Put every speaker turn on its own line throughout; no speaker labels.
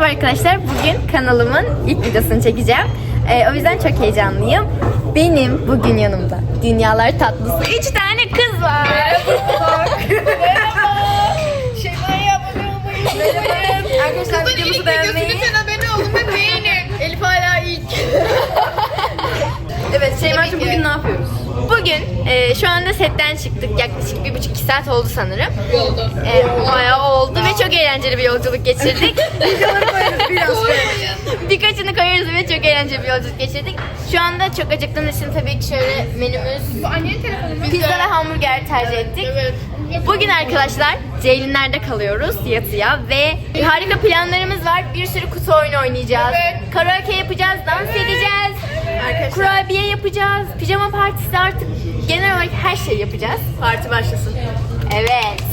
Merhaba arkadaşlar. Bugün kanalımın ilk videosunu çekeceğim. O yüzden çok heyecanlıyım. Benim bugün yanımda dünyalar tatlısı 3 tane kız var.
Merhaba. Şeyma'ya abone olmayı unutmayın.
Arkadaşlar videomuzu beğenmeyi.
Lütfen abone olun ve beğenin. Elif hala ilk.
Evet Şeyma'cığım bugün ne yapıyoruz? Bugün şu anda setten çıktık. Yaklaşık 1,5-2 saat oldu sanırım.
Oldu.
Bayağı oldu ve çok eğlenceli bir yolculuk geçirdik. Videoları koyarız biraz. Birkaçını koyarız ve çok eğlenceli bir yolculuk geçirdik. Şu anda çok acıktığımız için tabii ki şöyle menümüz
Bu annenin telefonu mu?
pizza ve hamburger tercih ettik.
Evet.
Bugün arkadaşlar Ceylinler'de kalıyoruz yatıya ve harika planlarımız var. Bir sürü kutu oyunu oynayacağız.
Evet.
Karaoke yapacağız, dans edeceğiz.
Arkadaşlar.
Kurabiye yapacağız. Pijama partisi artık genel olarak her şeyi yapacağız.
Parti başlasın.
Evet.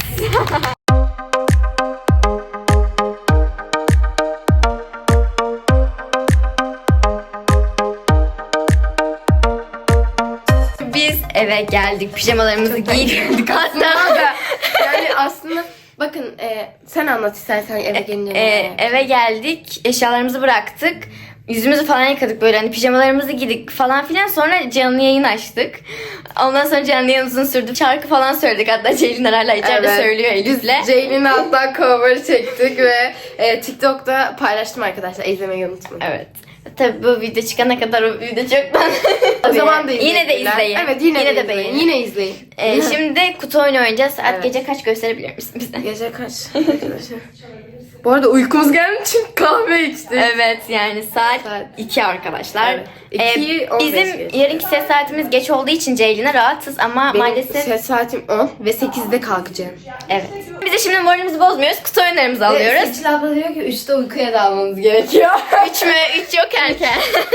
Biz eve geldik. Pijamalarımızı giydik hatta.
Yani aslında bakın sen anlat istersen eve gelince.
Eve geldik. Eşyalarımızı bıraktık. Yüzümüzü falan yıkadık böyle hani pijamalarımızı giydik falan filan. Sonra canlı yayın açtık. Ondan sonra canlı yayın uzun sürdü. Şarkı falan söyledik. Hatta Ceylin hala içeride
Evet.
söylüyor Elif'le.
Ceylin'le hatta cover çektik ve TikTok'ta paylaştım arkadaşlar. İzlemeyi unutmayın.
Evet. Tabii bu video çıkana kadar o video çoktan.
O zaman da
Yine de
izleyin.
izleyin.
Evet yine de
de
izleyin.
beğenin.
Yine izleyin.
Şimdi kutu oyunu oynayacağız. Saat
Evet.
gece kaç gösterebilir misin bize?
Gece kaç arkadaşlar? Bu arada uykumuz geldi çünkü kahve içtik.
Evet yani saat
Saat.
2 arkadaşlar.
Evet. 2:15
bizim
geçti.
yarınki ses saatimiz geç olduğu için Ceylin'e rahatsız ama
Benim
maalesef
ses saatim 10 ve 8'de kalkacağım.
evet. Biz de şimdi moralimizi bozmuyoruz. Kutu oyunlarımızı alıyoruz.
Seçil abla diyor ki 3'te uykuya dalmamız gerekiyor.
3 mü? 3 yok erken.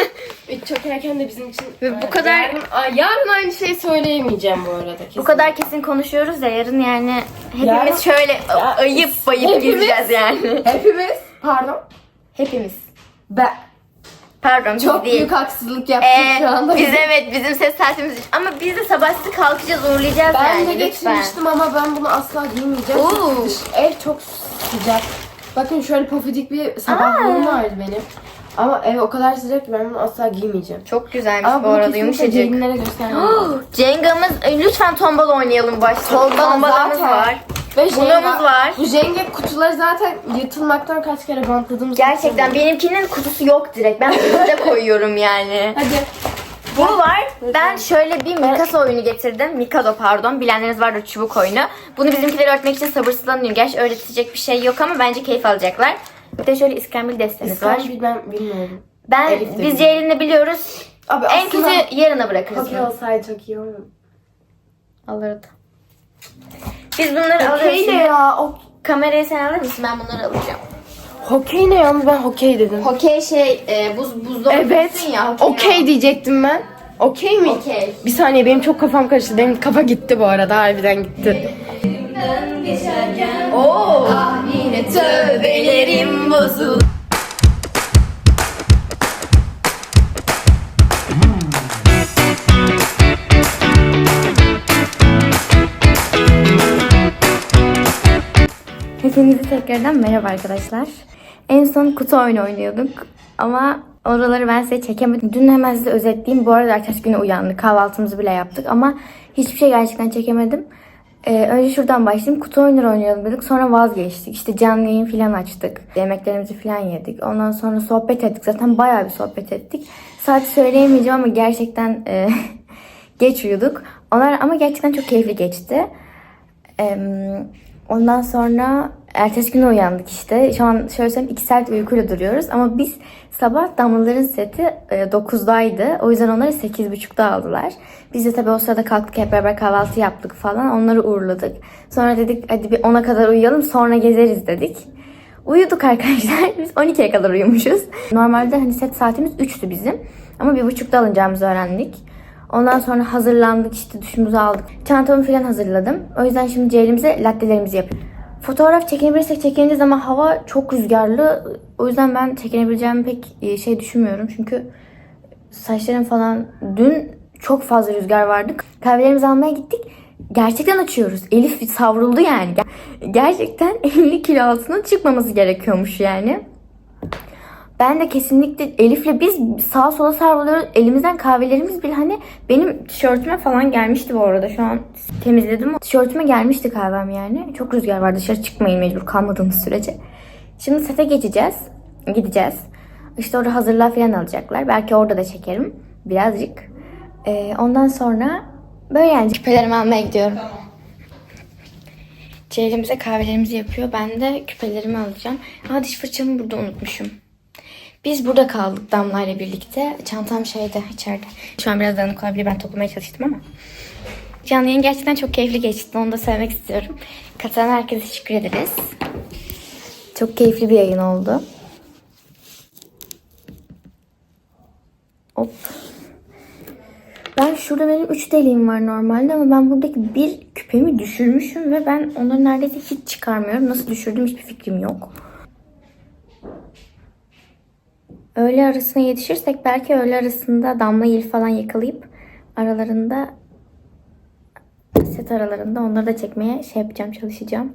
3 çok erken de bizim için.
Ve bu kadar-
Yarın aynı şeyi söyleyemeyeceğim bu arada. Kesin.
Bu kadar kesin konuşuyoruz ya yarın yani hepimiz
Yarın-
şöyle ayıp bayıp
Hepimiz-
gireceğiz yani.
Hepimiz. Pardon.
Hepimiz.
Ben
Pardon
çok
biz değil.
büyük haksızlık yaptık şu anda.
Biz evet bizim ses saatimiz ama biz de sabah sizi kalkacağız uğurlayacağız
Ben
yani
de
lütfen.
getirmiştim ama ben bunu asla giymeyeceğim.
Oo.
Çünkü ev çok sıcak. Bakın şöyle pofidik bir sabahlığım vardı benim. Ama ev o kadar sıcak ki ben bunu asla giymeyeceğim.
Çok güzelmiş
Ama
bu
bunu
arada
kesinlikle
yumuşacık.
Ceylinlere göstermem lazım.
Cenga'mız lütfen tombala oynayalım başta. Tombalamız
zaten.
var.
Ve
Bunamız var.
Bu Jenga kutuları zaten yırtılmaktan kaç kere bantladığımız.
Gerçekten benimkinin kutusu yok direkt. Ben kutuda koyuyorum yani.
Hadi.
Bu var. Ben şöyle bir Mikasa oyunu getirdim. Mikado pardon. Bilenleriniz vardır çubuk oyunu. Bunu bizimkileri öğretmek için sabırsızlanıyorum. Gerçi öğretecek bir şey yok ama bence keyif alacaklar. Bir de şöyle iskambil destemiz var.
Ben bilmiyorum.
Ben
Elif de
biz
bilmiyor.
Ceylin'le biliyoruz.
Abi
En
aslında
kötü yarına bırakırız.
hokey olsaydı çok iyi olurdu.
Alırdı. Biz bunları alırız.
Hokey ne ya?
Kamerayı sen alır mısın? Ben bunları alacağım.
Hokey ne yalnız ben hokey dedim.
Hokey buzda
Evet.
oynuyorsun ya.
Okey diyecektim ben. Okey mi?
Okey.
Bir saniye benim çok kafam karıştı. Benim kafa gitti bu arada. Harbiden gitti.
Oo. Yine tövbelerim bozuldu. Hepinize tekrardan merhaba arkadaşlar. En son kutu oyunu oynuyorduk ama oraları ben size çekemedim. Dün hemen size özetleyeyim. Bu arada ertesi güne uyandık. Kahvaltımızı bile yaptık ama hiçbir şey gerçekten çekemedim. Önce şuradan başlayayım. Kutu oyunları oynayalım dedik. Sonra vazgeçtik. İşte canlı yayın falan açtık. Yemeklerimizi falan yedik. Ondan sonra sohbet ettik. Zaten bayağı bir sohbet ettik. Saati söyleyemeyeceğim ama gerçekten geç uyuduk. Onlar ama gerçekten çok keyifli geçti. Ondan sonra ertesi gün uyandık işte. Şu an şöyle söyleyeyim 2 saat uykuyla duruyoruz. Ama biz sabah Damlaların seti 9'daydı. O yüzden onları 8.30'da aldılar. Biz de tabii o sırada kalktık hep beraber kahvaltı yaptık falan. Onları uğurladık. Sonra dedik hadi bir 10'a kadar uyuyalım sonra gezeriz dedik. Uyuduk arkadaşlar. Biz 12'ye kadar uyumuşuz. Normalde hani set saatimiz 3'tü bizim. Ama 1.30'da alınacağımızı öğrendik. Ondan sonra hazırlandık işte duşumuzu aldık. Çantamı falan hazırladım. O yüzden şimdi Ceylin'imize lattelerimizi yapıyoruz. Fotoğraf çekebilirsek çekineceğiz ama hava çok rüzgarlı. O yüzden ben çekinebileceğimi pek şey düşünmüyorum. Çünkü saçlarım falan dün çok fazla rüzgar vardı. Kahvelerimizi almaya gittik. Gerçekten açıyoruz. Elif savruldu yani. Gerçekten 50 kilo altına çıkmaması gerekiyormuş yani. Ben de kesinlikle Elif'le biz sağa sola savruluyoruz. Elimizden kahvelerimiz bile hani benim tişörtüme falan gelmişti bu arada. Şu an temizledim. Tişörtüme gelmişti kahvem yani. Çok rüzgar var, dışarı çıkmayın mecbur kalmadığımız sürece. Şimdi sete geçeceğiz. Gideceğiz. İşte orada hazırlığa falan alacaklar. Belki orada da çekerim birazcık. Ondan sonra böyle yani küpelerimi almaya gidiyorum. Ceylin bize kahvelerimizi yapıyor. Ben de küpelerimi alacağım. Diş fırçamı burada unutmuşum. Biz burada kaldık Damla ile birlikte. Çantam şeyde, içeride. Şu an biraz dağınık olabilir. Ben toplamaya çalıştım ama. Canlı yayın gerçekten çok keyifli geçti. Onu da söylemek istiyorum. Katılan herkese teşekkür ederiz. Çok keyifli bir yayın oldu. Hop. Ben şurada benim 3 deliğim var normalde ama ben buradaki bir küpemi düşürmüşüm ve ben onları neredeyse hiç çıkarmıyorum. Nasıl düşürdüğüm hiçbir fikrim yok. Öğle arasına yetişirsek belki öğle arasında Damla Elif falan yakalayıp aralarında, set aralarında onları da çekmeye çalışacağım.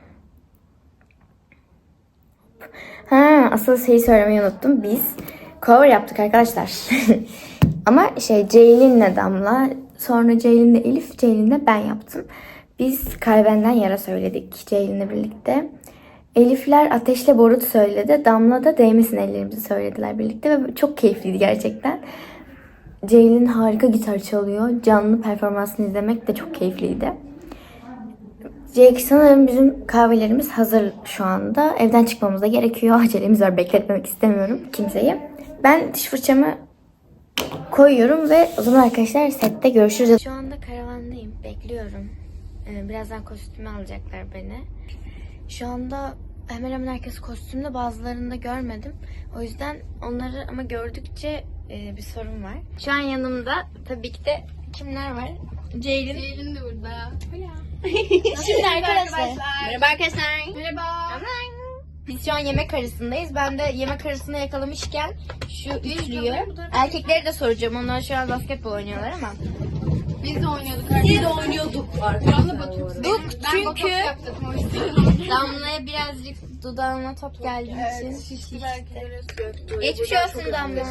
Asıl şeyi söylemeyi unuttum. Biz cover yaptık arkadaşlar. Ama Ceylin'le Damla, sonra Ceylin'le Elif, Ceylin'le ben yaptım. Biz Kalbenden Yara söyledik Ceylin'le birlikte. Elifler Ateşle Borut söyledi. Damla da Değmesin Ellerimizi söylediler birlikte ve çok keyifliydi gerçekten. Ceylin harika gitar çalıyor. Canlı performansını izlemek de çok keyifliydi. Sanırım bizim kahvelerimiz hazır şu anda. Evden çıkmamız da gerekiyor. Acelemiz var. Bekletmemek istemiyorum kimseyi. Ben diş fırçamı koyuyorum ve o zaman arkadaşlar sette görüşürüz. Şu anda karavandayım. Bekliyorum. Birazdan kostüme alacaklar beni. Şu anda hemen hemen herkes kostümde, bazılarını da görmedim. O yüzden onları ama gördükçe bir sorun var. Şu an yanımda tabii ki de kimler var? Ceylin.
Ceylin de burada.
Şimdi arkadaşlar.
Merhaba arkadaşlar. Merhaba.
Biz şu an yemek arasındayız. Ben de yemek arasında yakalamışken şu üçlüyü. Erkekleri de soracağım. Onlar şu an basketbol oynuyorlar ama.
Biz de oynuyorduk arkadaşlar. Biz de oynuyorduk. Damla batıyoruz.
Çünkü
yaptım o yüzden.
Damla'ya birazcık dudağına top geldiği için.
Şişti belki.
Geçmiş olsun Damla.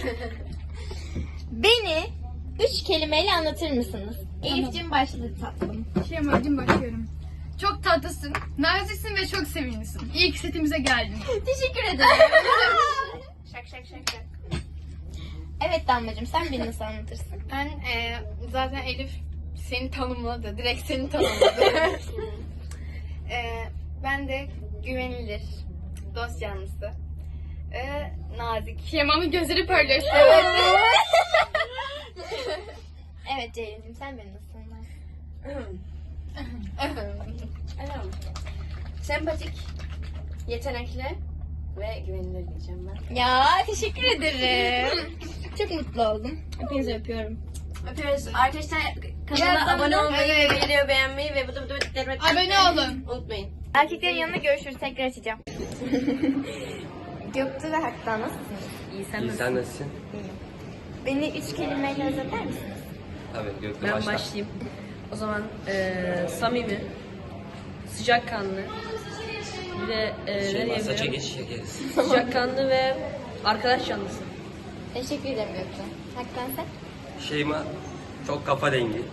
Beni 3 kelimeyle anlatır mısınız? Elif'cim başladı tatlım.
Şeyma'cığım başlıyorum. Çok tatlısın, naziksin ve çok sevimlisin. İyi ki setimize geldin.
Teşekkür ederim.
Şak.
Evet Damlacığım, sen beni nasıl anlatırsın?
Ben zaten Elif seni tanımladı. Direkt seni tanımladı. Ben de güvenilir, dost yanlısı, nazik. Şeyma'nın gözleri parlıyor.
Evet Ceylin'cim, sen beni nasıl anlarsın?
Sempatik, yetenekli ve güvenilir diyeceğim ben.
Ya teşekkür ederim. Çok mutlu oldum. Hepinizi öpüyorum.
Öpüyoruz. Arkadaşlar kanala abone olmayı ve videoyu beğenmeyi ve bu da
Abone olun.
unutmayın.
Erkeklerin yanına görüşürüz. Tekrar açacağım. Göktuğ ve Hak'tan nasılsınız?
İyi sen
İyi, sen nasılsın?
Beni 3 kelimeyle özetler misiniz?
Tabii Göktuğ
Ben
başla.
başlayayım. O zaman samimi, sıcakkanlı, bir de
Şeyma saça
diyebilirim?
geç çekeriz.
Sıcakkanlı ve arkadaş canlısı.
Teşekkür ederim Göktuğ. Hak'tan sen?
Şeyma çok kafa dengi.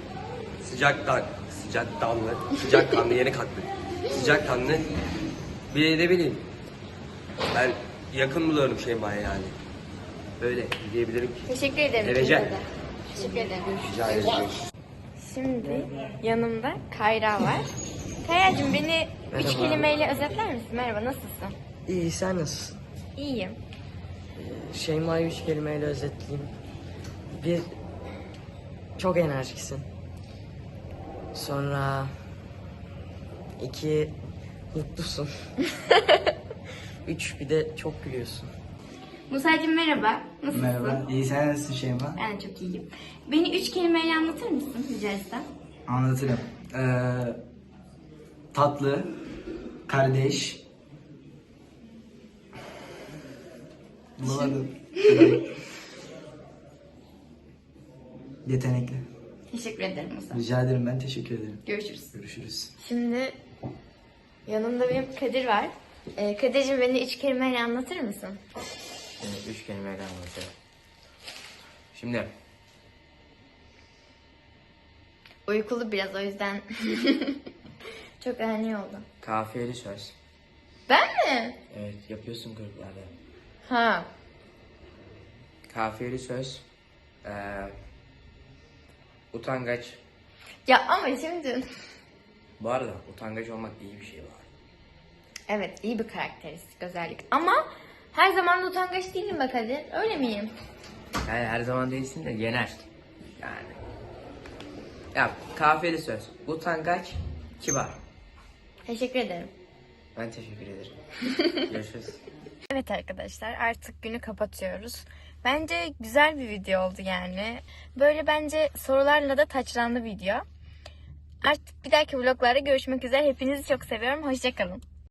Sıcakkanlı yeni kalktı. Sıcakkanlı. Bir de ne bileyim. Ben yakın buluyorum Şeyma'ya yani. Böyle diyebilirim ki.
Teşekkür ederim.
Seveceğim.
ikinize de. Teşekkür ederim.
Rica ederim.
Şimdi yanımda Kayra var. Kayra'cığım beni 3
Merhaba.
kelimeyle özetler misin? Merhaba, nasılsın?
İyi, sen nasılsın?
İyiyim.
Şeyma'yı 3 kelimeyle özetleyeyim. Bir, çok enerjiksin. Sonra, 2, mutlusun. 3, bir de çok gülüyorsun.
Musa'cığım merhaba. Nasılsın?
Merhaba, iyi sen nasılsın Şeyma?
Ben de çok iyiyim. Beni 3 kelimeyle anlatır mısın rica etsem?
Anlatırım. Tatlı, kardeş. Bulamadım. Yetenekli.
Teşekkür ederim Musa.
Rica ederim, ben teşekkür ederim.
Görüşürüz.
Görüşürüz.
Şimdi yanımda benim Kadir var. Kadir'cim beni 3 kelimeyle anlatır mısın?
Üç kelimeyle anlatacağım. Şimdi
Uykulu biraz o yüzden çok ani oldu.
kafiyeli söz.
Ben mi?
Evet, yapıyorsun gruplarda.
Ha.
Kafiyeli söz. Utangaç.
Ya ama şimdi...
Bu arada utangaç olmak iyi bir şey var.
Evet, iyi bir karakteristik özellik. Ama her zaman da utangaç değilim bak hadi. Öyle miyim?
Yani her zaman değilsin de genel. Yani. Ya kafiyeli söz. Utangaç, kibar.
Teşekkür ederim.
Ben teşekkür ederim. Görüşürüz.
Evet arkadaşlar, artık günü kapatıyoruz. Bence güzel bir video oldu yani. Böyle bence sorularla da taçlandı video. Artık bir dahaki vloglarda görüşmek üzere. Hepinizi çok seviyorum. Hoşça kalın.